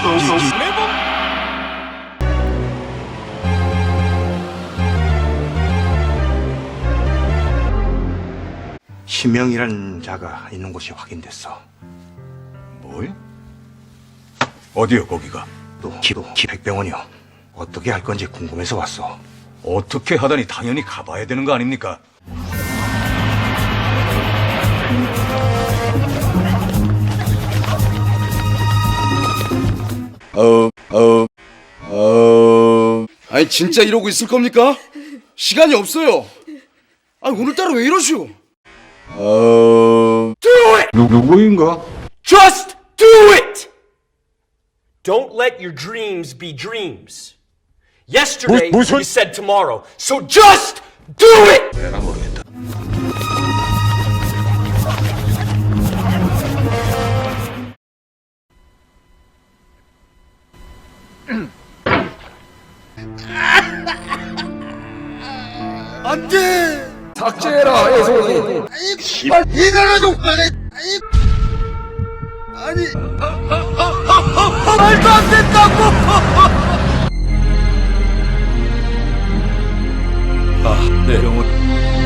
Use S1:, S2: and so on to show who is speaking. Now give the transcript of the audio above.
S1: 심형이라는 자가 있는 곳이 확인됐어.
S2: 뭘? 어디요, 거기가?
S1: 또 백병원이요. 어떻게 할 건지 궁금해서 왔어.
S2: 어떻게 하다니 당연히 가봐야 되는 거 아닙니까?
S3: 아니 진짜 이러고 있을 겁니까? 시간이 없어요. 아니 오늘따라 왜 이러시오?
S2: 누구인가?
S4: Just do it! Don't let your dreams be dreams. Yesterday, you said tomorrow. So just do it!
S2: 내가 모르겠다.
S3: 안돼. 삭제해라 해송이. 씨발 이거는 욕하네. 아니 말도 안 된다고.
S2: 네, 병원.